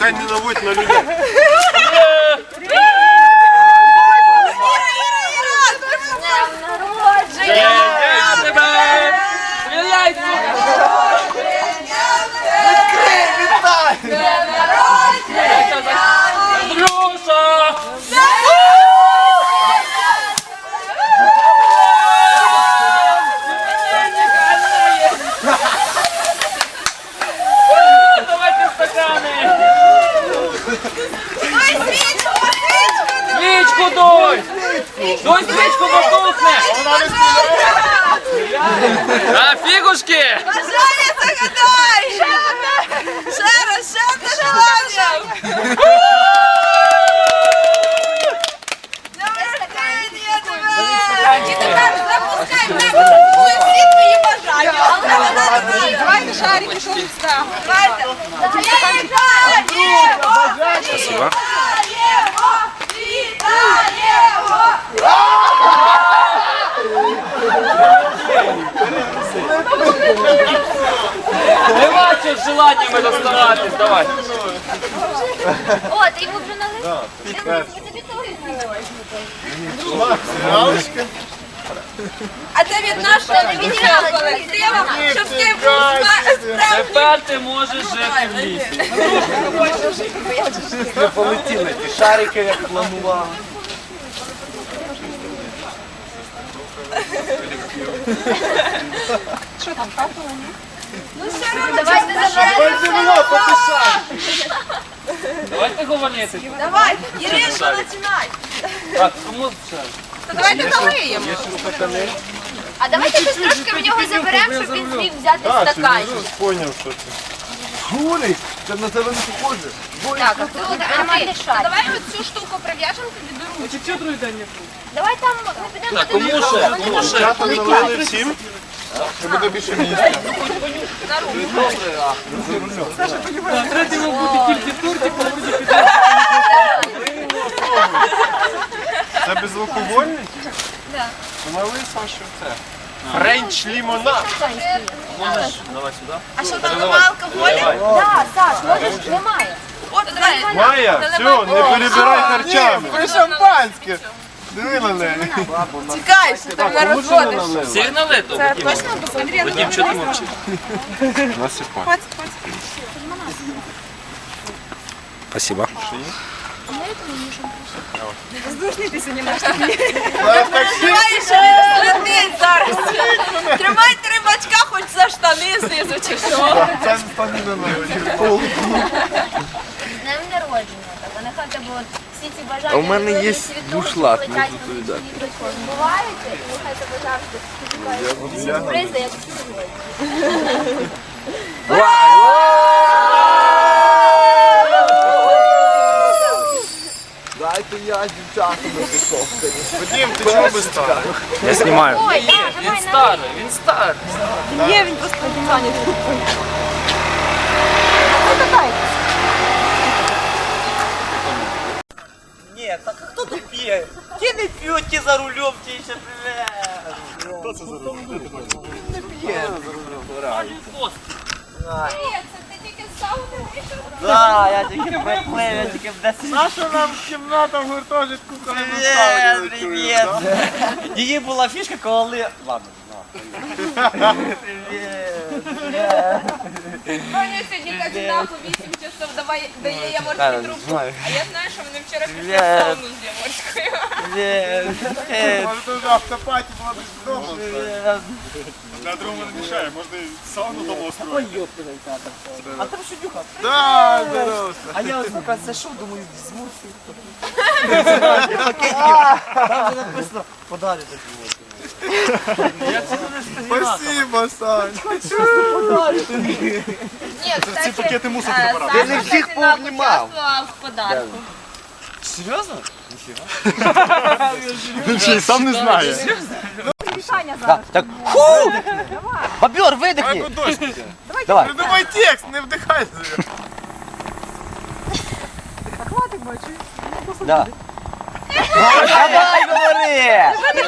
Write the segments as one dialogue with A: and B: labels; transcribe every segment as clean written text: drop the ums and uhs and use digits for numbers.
A: Давай не наводь на людей.
B: Свічку дуй! Дуй свічку, бо тухне! А фігушки!
C: Бажання загадай! Ще раз, ще одне желання! І тепер запускаємо, всі твої бажання. Давайте шарики, що відстав. Давайте. Вітаємо! Вітаємо!
B: Нема чого з желаннями доставатись, давай.
D: О, ти йому вже налив? Дивись, ми тобі теж
A: Галочка.
C: А це від нашого колективу, щоб ти був справжній.
B: Тепер ти можеш жити в лісі.
E: Не полетіли ті шарики, як планував.
D: Давайте заберемо.
B: Давайте говорити.
C: Давай, Іринка, починай.
B: Так, кому ще?
C: То давайте налиємо.
D: А давайте щось трошки в нього заберемо, щоб він зміг взяти стаканчик.
A: Поняв, що це.
E: Гулик! Це на тебе не похоже.
D: Так, а тут нормальний шар.
C: Давай цю штуку прив'яжемо, тобі беру.
D: Давай там ми підемо.
B: Так, кому ще? Кому ще?
A: Чатом налили всім. Щоб буде більше місця. Це безалкогольний? Так. Налили Сашу це. Френч лімонад.
B: Можеш? Давай сюди.
C: А що там нема алкоголю?
D: Так, Саш, можеш, немає.
C: От, давай.
A: Майя, все, не перебирай харчами. Ви шампанське. Диви на неї.
C: Тікай, що там не розводиш.
B: Всіх налито?
C: Точно посмотри.
B: Вадим, чого ти мовчиш?
A: Насипай.
E: Спасибо.
C: Тримай, що не слетить зараз. Тримай 3 бачка, хоч за штани знизу чи що.
A: Це не стане на ноги.
D: З днем народження. Так, нехай тебе от всі ці бажання.
E: А у мене є
D: світові
E: бушлат,
D: летять
E: можу
D: на
E: тобі дати.
D: світло, збуваються, і нехай тебе завжди сюрпризи, як сьогодні.
E: Дайте я дівчатам написав.
A: Вадим, ти чого без стали?
E: Я знімаю.
D: Ой, так,
B: Він
D: давай,
B: старий, він старий.
C: Є, він просто зайнятий.
F: Ні, так а хто тут п'є? Ті не п'ють, ті за рулем, ті ще привет.
A: Хто це за рулем?
C: Ти тільки з сауни вийшов?
F: Да, я тільки приплив, я тільки в 10.
A: Наша нам кімната в гуртожитку, коли ми
F: Привіт,
A: ставили.
F: привіт. Її була фішка, коли... Ладно,
C: Ваня сьогодні кандидат по 8 часов дає яморську трубку. А я знаю, що вони вчора пішли в сауну з яморською.
F: Привіт.
A: Може тут автопаті була десь вдома. Для другого не мішає, можна і сауну дома устроїти.
F: Ой, ёпта, тата. А там що дюха?
A: Да, здорово.
F: А я ось поки зайшов, думаю, змусив. Там же написано, подарю такі.
A: Спасибо, Сань.
C: Ні, кстати,
A: Ці пакети мусор забирати.
C: Саша
E: Ти не всіх
C: Катина
E: пообнімав.
C: участвував в подарку.
F: Серйозно?
A: Він ще й сам не знає.
F: Так. Ху! Бобер, видихни.
A: Давай дощ піде.
F: Давай.
A: Придумай текст, не вдихай.
F: Да. Давай, говори!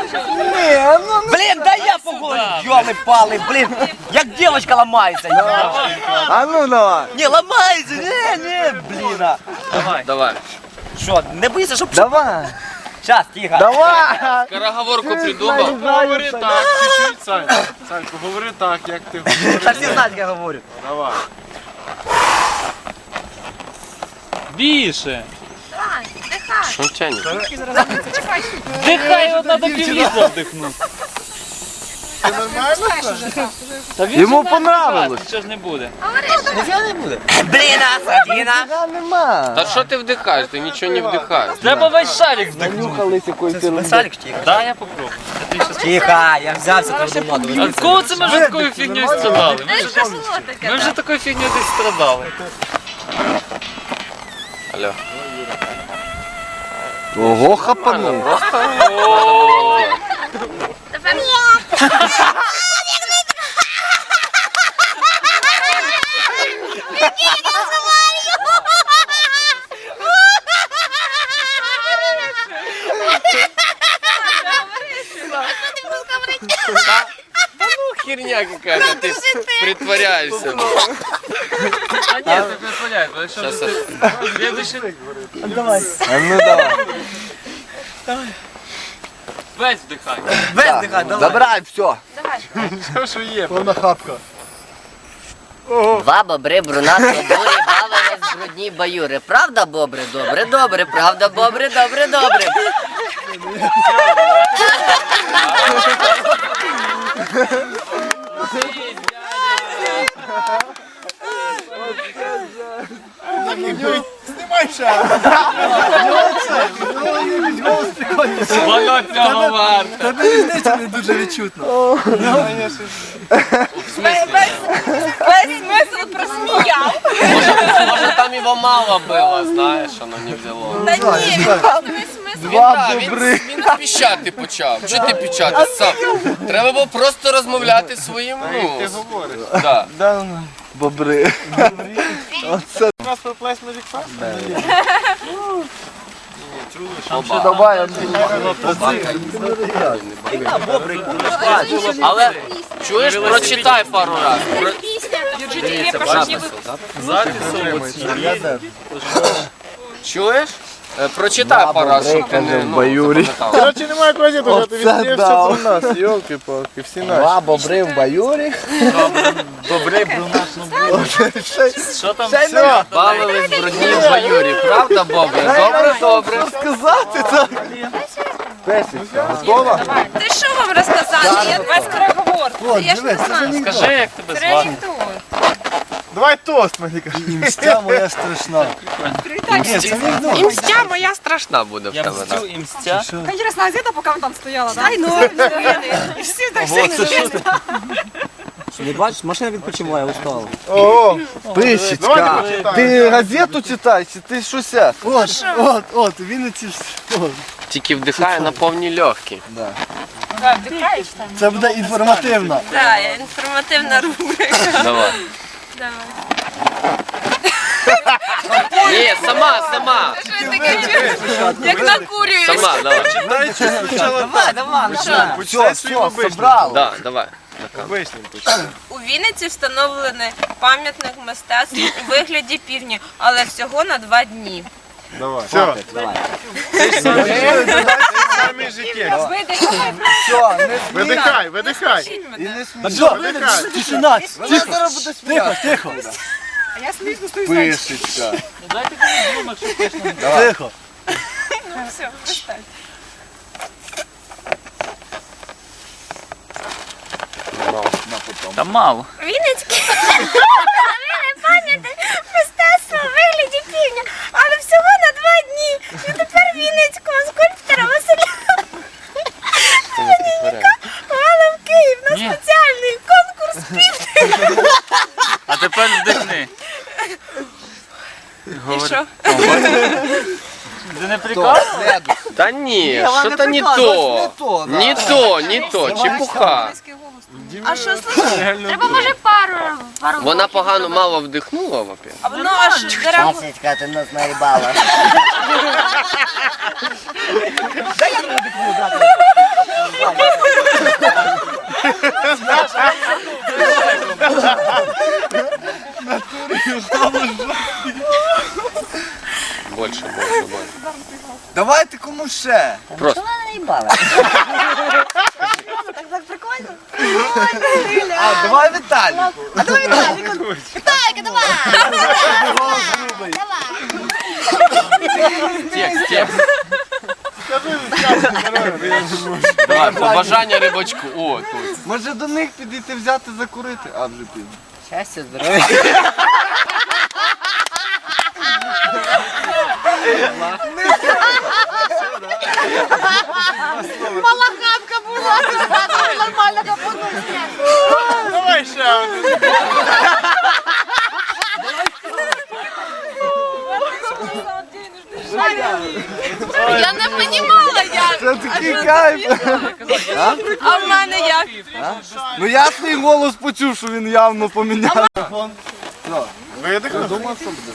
F: Блін, дай я поговорю! Йоли-пали, блін! Як дівчинка ламається!
E: А ну давай.
F: Не, ламається! Не, блін!
B: Давай.
F: Що, не боїшся, щоб...
E: Давай.
F: Щас, тихо!
E: Давай.
B: Скороговорку придумав.
A: Говори так, чуть-чуть, Сань. Саньку, говори так, як ти говориш.
F: Та всі знають, як я говорю.
A: Давай.
B: Більше.
D: Давай, дихай.
B: Що тянеш?
C: Чекай.
B: Дихай, от треба півлітра вдихнути.
A: Ти нормально?
B: Та він
E: Йому
B: же знає,
E: понравилось.
B: Нічого ж не буде.
F: Нічого не буде. Блін, Садіна!
E: Нема.
G: Та що ти вдихаєш? Ти нічого не вдихаєш.
B: Треба весь шарик вдихнути.
E: Нюхались якоїсь
F: Салік тихо.
B: Да, я попробую.
F: Тихо, я взявся твою моду.
B: А з кого це ми вже такою фігнею страдали?
C: Знаєш, що було таке?
B: Ми вже такою фігнею десь страдали.
G: Алло.
E: Ого, хапанув.
D: Тепер
G: Ну, херня какая-то, ты притворяешься.
B: А ні, це дозволяє, бо якщо
G: Щас,
B: ти следующий
E: А ну давай.
B: весь вдихай.
F: Без дихай, давай.
E: Забирай, все.
A: Все, що є, повна хапка.
H: Два бобри брунатого бурі бавились в брудній баюри. Правда, бобри? Добре, добре, правда, бобри, добре, добре.
A: Знімай ще.
B: Воно цього варто.
E: Та різниця не дуже відчутно.
C: Весь смисл просміяв.
G: Может, там его мало было, знаешь, оно не взяло.
C: Та ні, він просто весь смисл.
E: Два бобри.
G: Він піщати почав. Чого ти піщати сам? Треба було просто розмовляти своїм,
A: Ти
G: ну,
A: говориш.
G: да.
E: Да, ну. Бобри. Оце.
A: У нас плес Magic Fest?
E: Ще давай,
G: Але чуєш, прочитай пару раз.
D: пісня.
C: Держите, я прошу, ніби
G: Чуєш? Прочитай пару раз, щоб ти не,
E: в баюрі.
G: запам'ятав.
A: Короче, немає клозету, вже ти відстрівся
E: дав.
A: про нас, йолки-палки, всі наші.
E: Два бобри в баюрі.
A: Добре, брунатно.
B: Що там?
A: Все.
G: Бавились в брудній баюрі, правда, Бобре? Добре, добре.
E: Сказати так. Песенька, готова?
C: Ти що вам розказати? Я без скороговорки. Я ж не знаю.
B: Скажи, як тебе
C: Це
B: звати.
C: анекдот.
A: Давай тост, Маліка.
E: Мстя моя страшна.
G: Імстя моя страшна буде в
B: Я
G: тебе.
B: мстю і мстя.
C: Интересно, а где-то пока он там стояла, да? Ай, ну, и все так сильно.
F: Не бачиш, машина відпочиває, устала.
E: О, писечка.
A: Давайте почитаємо.
E: Ти газету читаєш, чи ти щось? От, Вінниці.
G: Тільки вдихає на повні легкі.
C: Вдыхаешь там?
E: Це буде інформативно.
C: Да, информативная рубрика.
G: Давай.
C: Давай.
G: Ні, сама.
C: Що таке? Як накурюєш.
G: Сама, давай.
F: Давай, давай, ну що?
E: Все, собрали.
G: Да, давай.
C: У Вінниці встановлений пам'ятник мистецтва у вигляді півні, але всього на 2 дні.
A: Давай. Все.
F: Давай.
A: Самі життя.
E: Все,
A: Видихай, видихай.
E: не
A: Видихай.
F: Тишина.
E: Тихо, тихо.
C: А я смішно стою.
E: Писечка.
B: Дайте мені думок, щоб точно не
E: Тихо.
C: Ну все, пристань.
B: Та мало.
D: Вінницький пам'ятник мистецтва у вигляді півня, але всього на 2 дні. І тепер Вінницького скульптора Василя Леонідка мала в Київ на
B: Ні.
D: спеціальний конкурс півня.
B: А тепер вдихни.
C: І що?
B: Ти не прикол?
G: Та ні,
E: Вона
G: що-то не
E: приказує,
G: то.
E: да.
G: Не то, чепуха.
D: А що, слухай, треба може пару.
G: Вона погано мало вдихнула, во-первых.
C: А воно аж дерево.
H: Масечка, ти нас наїбала.
G: Больше.
E: Давайте кому ще.
G: Просто.
H: Вона наїбала.
D: Так прикольно.
E: А, давай Віталіку.
D: Віталька, давай.
G: Текст. Давай, побажання рибачку. О, тут.
E: Може до них підійти взяти закурити? А, вже піде.
H: Щастя, здоров'я.
D: Мала хапка була. Нормально капоту.
A: Давай ще один.
C: Я не понімала як.
E: Це такий кайф.
C: А в мене як?
E: Ну я свій голос почув, що він явно поміняв.
A: Видихнув?
E: Думав, що буде.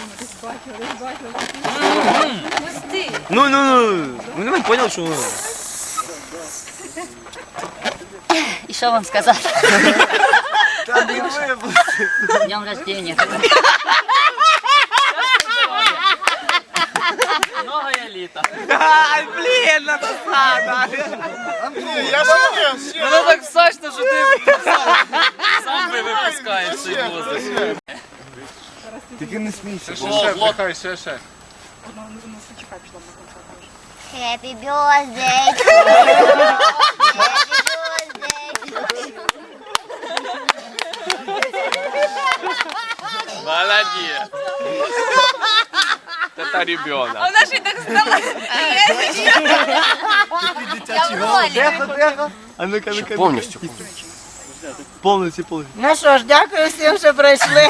F: Ну, не понял, що...
H: І що вам сказати?
E: Та не випусти.
H: З днем рождения.
F: Многое літо. Ай, блін, насада.
A: Ні, я ще ні.
B: Воно так сочно, що ти сам випускаєш цей воздух.
E: Тільки не смійся.
A: Ще, блокай, ще.
D: Happy birthday to you.
G: Молодец. Это ребенок.
C: А вона ще й так стала.
E: Тихо, тихо. А ну-ка, ну-ка.
G: Повністю.
E: Повністю.
H: Ну що ж, дякую всім, що прийшли.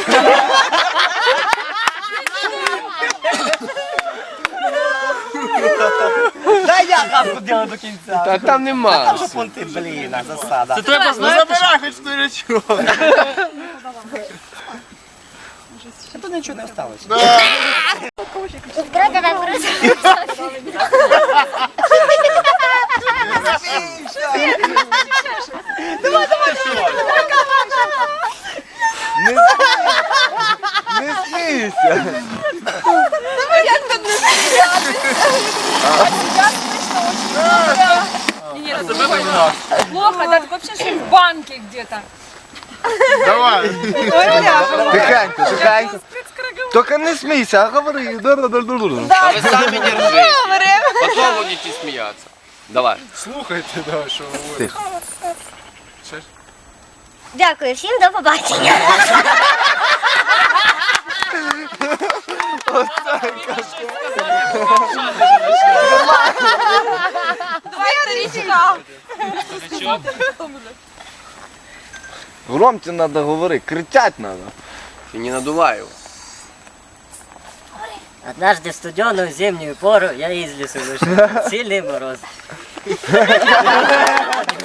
F: Дай я хапку делаю до кінця.
G: Та там нема.
F: Понти, блін, засада.
B: Це треба
A: Ну
B: знати.
A: забирай хоч сторячок.
F: А тут нічого не осталось.
E: Не смійся.
C: Плохо, да, вообще что в банке где-то.
A: Давай.
E: Тихенько, тихенько. Тільки не смійся, а говори.
G: А ви самі не ржите. Потом будете сміятися. Давай.
A: Слухайте, да, що говорить.
D: Дякую всім, до побачення.
C: Давай, старичка.
E: Громче треба говорити, кричати треба.
G: І не надувай його.
H: Однажды в студеную зимнюю пору я из лесу вышел. Сильный мороз.